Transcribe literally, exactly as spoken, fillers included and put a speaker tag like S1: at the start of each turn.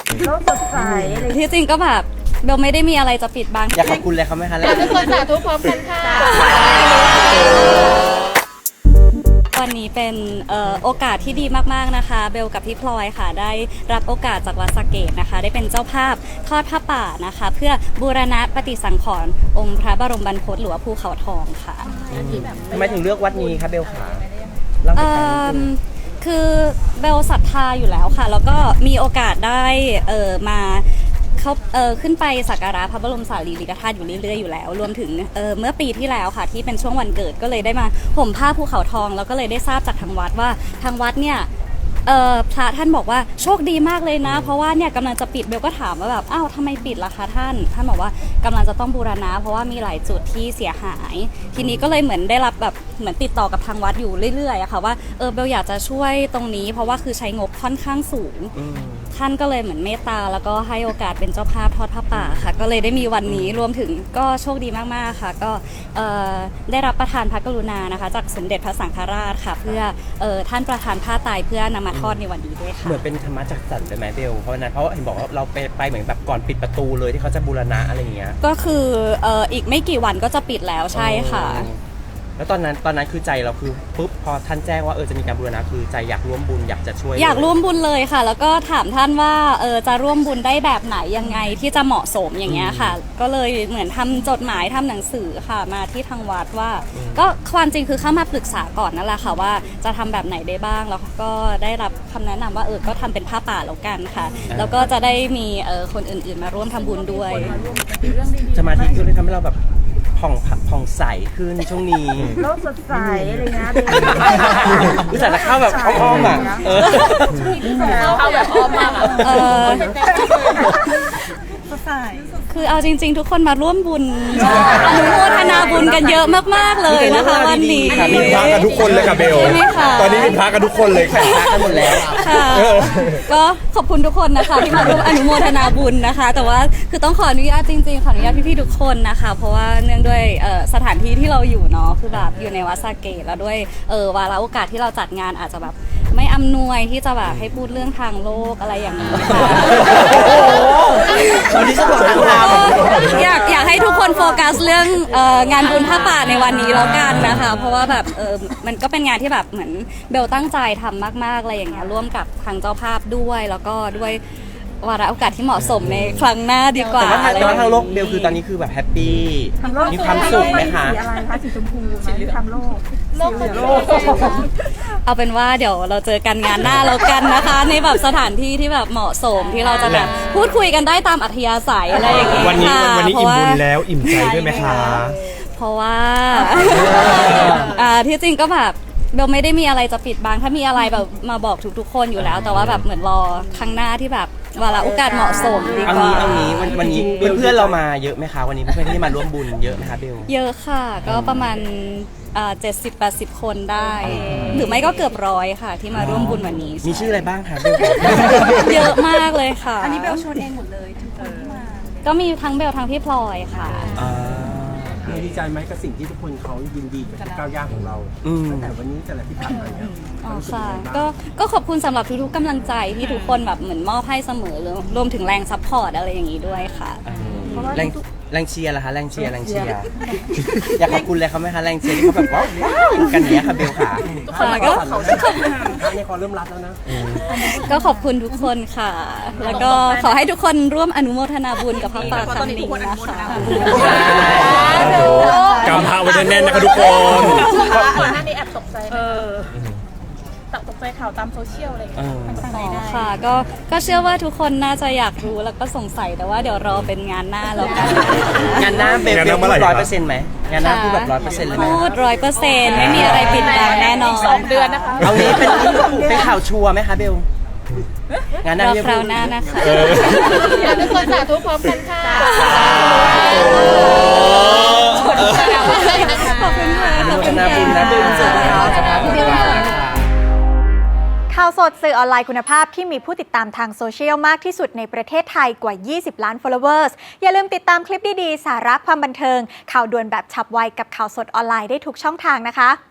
S1: โลกสดใสอะไร
S2: ที่จริงก็แบบเบลไม่ได้มีอะไรจะปิดบัง
S3: อยากขอบคุณเลยเขาไหมคะ
S4: ทุกคนสาธุพร้อมกันค่ะ
S2: วันนี้เป็นเอ่อโอกาสที่ดีมากๆนะคะเบลกับพี่พลอยค่ะได้รับโอกาสจากวัดสะเกษนะคะได้เป็นเจ้าภาพทอดผ้าป่านะคะเพื่อบูรณะปฏิสังขรณ์องค์พระบรมบรรพตหรือว่าภูเขาทองค่ะ
S3: ทำไมถึงเลือกวัดนี้คะเบลขาเล่าให้ฟังนิดนึง
S2: คือเบลศรัทธาอยู่แล้วค่ะแล้วก็มีโอกาสได้เอ่อมาเขาเอ่อขึ้นไปสักการะพระบรมสารีริกธาตุอยู่เรื่อยๆอยู่แล้วรวมถึงเอ่อเมื่อปีที่แล้วค่ะที่เป็นช่วงวันเกิดก็เลยได้มาห่มผ้าภูเขาทองแล้วก็เลยได้ทราบจากทางวัดว่าทางวัดเนี่ยเอ่อพระท่านบอกว่าโชคดีมากเลยนะเพราะว่าเนี่ยกำลังจะปิดเบลก็ถามว่าแบบอ้าวทำไมปิดล่ะคะท่านท่านบอกว่ากำลังจะต้องบูรณะเพราะว่ามีหลายจุดที่เสียหายทีนี้ก็เลยเหมือนได้รับแบบเหมือนติดต่อกับทางวัดอยู่เรื่อยๆอะค่ะว่าเออเบลอยากจะช่วยตรงนี้เพราะว่าคือใช้งบค่อนข้างสูงท่านก็เลยเหมือนเมตตาแล้วก็ให้โอกาสเป็นเจ้าภาพทอดผ้าป่าค่ะก็เลยได้มีวันนี้รวมถึงก็โชคดีมากๆค่ะก็ได้รับประทานพระกรุณานะคะจากสมเด็จพระสังฆราชค่ะเพื่อท่านประทานผ้าไตรเพื่อนำมาทอดในวันนี้ด้วยค่ะ
S3: เหมือนเป็นธรรมะจักสรรเลยไหมเบลเพราะนั้นเพราะเห็นบอกว่าเราไปไปเหมือนแบบก่อนปิดประตูเลยที่เขาจะบูรณะอะไรอย่างเงี้ย
S2: ก็คืออีกไม่กี่วันก็จะปิดแล้วใช่ค่ะ
S3: แล้วตอนนั้นตอนนั้นคือใจเราคือปุ๊บพอท่านแจ้งว่าเออจะมีการบูรณะคือใจอยากร่วมบุญอยากจะช่วย
S2: อยากร่วมบุญเลยค่ะแล้วก็ถามท่านว่าเออจะร่วมบุญได้แบบไหนยังไงที่จะเหมาะสมอย่างเงี้ยค่ะก็เลยเหมือนทำจดหมายทำหนังสือค่ะมาที่ทางวัดว่าก็ความจริงคือเข้ามาปรึกษาก่อนนั่นแหละค่ะว่าจะทำแบบไหนได้บ้างแล้วก็ได้รับคำแนะนำว่าเออก็ทำเป็นผ้าป่าแล้วกันค่ะแล้วก็จะได้มีเออคนอื่นๆมาร่วมทำบุญด้วย
S3: สมาธิก็เลยทำให้เราแบบผ่องผ่องใสขึ้นช่วงนี้
S1: โลกสดใสอะไรนะ
S3: รู้จักจะเข้าแบบอ้อมๆอ่ะ
S4: เข้าแบบอ้อมมาก
S1: สดใส
S2: คือเอาจริงๆทุกคนมาร่วมบุญอนุโมทนาบุญกันเยอะมากๆเลยนะคะวันนี้
S5: มีพระกันทุกคนเลยค่ะเบลตอนนี้มีพระกันทุกคนเลยค่ะ
S3: พระกันหมดแล้ว
S2: ค่ะก็ขอบคุณทุกคนนะคะที่มาร่วมอนุโมทนาบุญนะคะแต่ว่าคือต้องขออนุญาตจริงๆขออนุญาตพี่ๆทุกคนนะคะเพราะว่าเนื่องด้วยสถานที่ที่เราอยู่เนาะคือแบบอยู่ในวัดสะเกษแล้วด้วยวาระโอกาสที่เราจัดงานอาจจะแบบไม่อำนวยที่จะแบบให้พูดเรื่องทางโลกอะไรอย่างนี้ค่ะ
S3: วันนี้สะดวกทางธรรม
S2: อยากอยากให้ทุกคนโฟกัสเรื่องงานบุญผ้าป่าในวันนี้แล้วกันนะคะเพราะว่าแบบเออมันก็เป็นงานที่แบบเหมือนเบลตั้งใจทำมากๆอะไรอย่างเงี้ยร่วมกับทางเจ้าภาพด้วยแล้วก็ด้วยวาระโอกาสที่เหมาะสมในครั้งหน้าดีกว่า
S3: แต่ว่าทางโลกเบลคือตอนนี้คือแบบแฮปปี้มีความสุขไหมคะ
S1: สีอะไรคะสีชมพูสีเหลืองโลก
S4: โลกโลก
S2: เอาเป็นว่าเดี๋ยวเราเจอกันงานหน้าแล้วกันนะคะในแบบสถานที่ที่แบบเหมาะสมที่เราจะแบบพูดคุยกันได้ตามอัธยาศัยอะไรอย่างเงี้ย
S5: วันนี้วันนี้อิ่มบุญแล้วอิ่มใจด้วยไหมคะ
S2: เพราะว่าที่จริงก็แบบเบลไม่ได้มีอะไรจะปิดบังถ้ามีอะไรแบบมาบอกทุกๆคนอยู่แล้วแต่ว่าแบบเหมือนรอครั้งหน้าที่แบบวาระโอกาสเหมาะสมดีกว่า
S3: เอางี้เอางี้วันนี้เพื่อนเรามาเยอะไหมคะวันนี้เพื่อนที่มาร่วมบุญเยอะไหมคะเบล
S2: เยอะค่ะก็ประมาณเจ็ดสิบแปดสิบคนได้หรือไม่ก็เกือบร้อยค่ะที่มาร่วมบุญวันนี้
S3: มีชื่ออะไรบ้างคะเบล
S2: เยอะมากเลยค่ะ
S1: อันนี้เบลชวนเองหมดเลยทุกคนที่มา
S2: ก็มีทั้งเบลทั้งพี่พลอยค่ะ
S5: ดีใจไหมกับสิ่งที่ทุกคนเขายินดีกับก้าวย่างของเราแต่วันนี้แต่ละที่ผ่านมาเนี่ย
S2: อ๋อค่ะก็ก็ขอบคุณสำหรับทุกๆกำลังใจที่ทุกคนแบบเหมือนมอบให้เสมอรวมถึงแรงซัพพอร์ตอะไรอย่างนี้ด้วยค่ะ
S3: แรงแรงเชียร์ล่ะคะแรงเชียร์แรงเชียร์อยากขอบคุณเลยเขาไหมคะแรงเชียร์ที่เขาแบบว้าวกันเนี้ยค่ะเบลค่ะ
S2: ก็
S5: ในคอเริ่มรัดแล้วนะ
S2: ก็ขอบคุณทุกคนค่ะแล้วก็ขอให้ทุกคนร่วมอนุโมทนาบุญกับพระป่าครั้งนี้นะคะ
S5: กำพร้าไว้แน่นๆนะคะทุกคน
S4: ก่อนหน้านี้แอบตกใจตกใจข่าวตามโซเชียลอะไรอย่างเงี้ย
S2: ค่ะก็ก็เชื่อว่าทุกคนน่าจะอยากรู้แล้วก็สงสัยแต่ว่าเดี๋ยวรอเป็นงานหน้าแล้วกัน
S3: งานหน้าเบลพูดร้อยเปอร์เซ็นต์ไหมงานหน้าพูดแบบร้อยเปอร์เซ็นต์เลยไหม
S2: พูดร้อยเปอร์เซ็นต์ไม่มีอะไรปิดบังแน่นอน
S4: สองเดือนนะคะ
S3: เอางี้เป็นเป็นข่าวชัวร์ไหมคะเบลงานหน้า
S2: คราวหน้านะคะ
S4: ทุกคนสาธุพร้อมกันค่ะ
S2: ขอบคุณค่ะ
S3: ขอบคุณนะบุญนะบุญสุดยอด
S6: ข่าวสดสื่อออนไลน์คุณภาพที่มีผู้ติดตามทางโซเชียลมากที่สุดในประเทศไทยกว่ายี่สิบล้าน followers อย่าลืมติดตามคลิปดีๆสาระความบันเทิงข่าวด่วนแบบฉับไวกับข่าวสดออนไลน์ได้ทุกช่องทางนะคะ